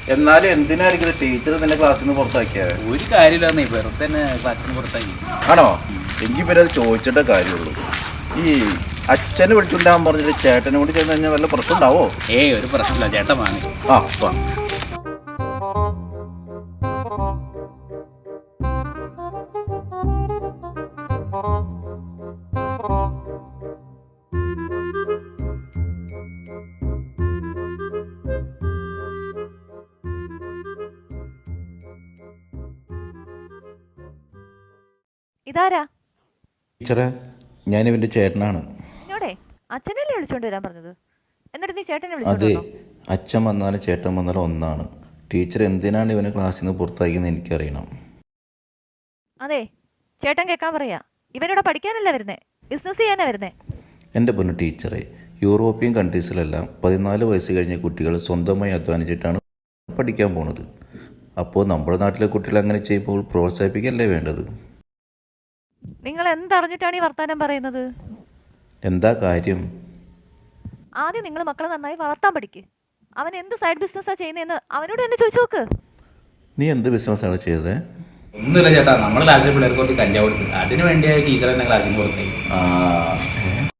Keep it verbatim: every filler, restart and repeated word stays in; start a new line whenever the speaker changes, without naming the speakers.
എന്നാലും എന്തിനായിരിക്കും ടീച്ചർ നിന്റെ ക്ലാസ്സിൽ നിന്ന് പുറത്താക്കിയത്?
ഒരു കാര്യമില്ല, വെറുതെ തന്നെ ക്ലാസ്സിൽ നിന്ന് പുറത്താക്കി.
ആണോ? എനിക്ക് പിന്നെ അത് ചോദിച്ചിട്ടേ കാര്യമുള്ളൂ. ഈ അച്ഛനെ വിളിച്ചുണ്ടാകാൻ പറഞ്ഞിട്ട് ചേട്ടനെ കൂടി ചെന്ന് കഴിഞ്ഞാൽ വല്ല പ്രശ്നം ഉണ്ടാവോ?
ഏയ് ഒരു പ്രശ്നമില്ല, ചേട്ടൻ വാങ്ങി.
ആ വാ.
ഇതാരാ?
ടീച്ചറെ, ഞാൻ ഇവന്റെ ചേട്ടനാണ്.
എന്നോടെ അച്ഛനല്ലേ വിളിച്ചോണ്ട് വരാൻ പറഞ്ഞത്? എന്നിട്ട് നീ ചേട്ടനെ
അതെ,
വിളിച്ചോണ്ടോ?
അച്ഛൻ വന്നാലും ചേട്ടൻ വന്നാലും ഒന്നാണ്. ടീച്ചർ എന്തിനാണ് ഇവനെ ക്ലാസ്സിൽ നിന്ന് പുറത്താക്കിയെന്ന് എനിക്കറിയണം.
അതെ, ചേട്ടൻ കേൾക്കാൻ പറയാ. ഇവനോട് പഠിക്കാനല്ല വരുന്നേ, ബിസിനസ് ചെയ്യാനാ വരുന്നേ.
എൻ്റെ പൊന്നു ടീച്ചറെ, യൂറോപ്യൻ കൺട്രീസിലെല്ലാം പതിനാല് വയസ്സ് കഴിഞ്ഞ കുട്ടികൾ സ്വന്തമായി അധ്വാനിച്ചിട്ടാണ് പഠിക്കാൻ പോണത്. അപ്പോൾ നമ്മുടെ നാട്ടിലെ കുട്ടികൾ അങ്ങനെ ചെയ്യുമ്പോൾ പ്രോത്സാഹിപ്പിക്കല്ലേ വേണ്ടത്?
നിങ്ങൾ എന്തറിഞ്ഞിട്ടാണ് ഈ വർത്താനം പറയുന്നത്?
എന്താ കാര്യം?
ആദ്യം നിങ്ങൾ മക്കളെ നന്നായി വളർത്താൻ പഠിക്ക്. അവൻ എന്ത് സൈഡ് ബിസിനസ്സാ ചെയ്യുന്നതെന്ന് അവനോട് തന്നെ ചോദിച്ചു നോക്ക്.
നീ എന്ത് ബിസിനസ്സാണ് ചെയ്തത്?
ഒന്നുമില്ല ചേട്ടാ, നമ്മൾ ക്ലാസ്സിൽ പിള്ളേർക്ക് കുറച്ച് കഞ്ചാവ് കൊടുക്കും. അതിന് വേണ്ടിയായി ടീച്ചർ എന്നെ ക്ലാസ്സിൽ നിന്ന് പുറത്തായി.
ആ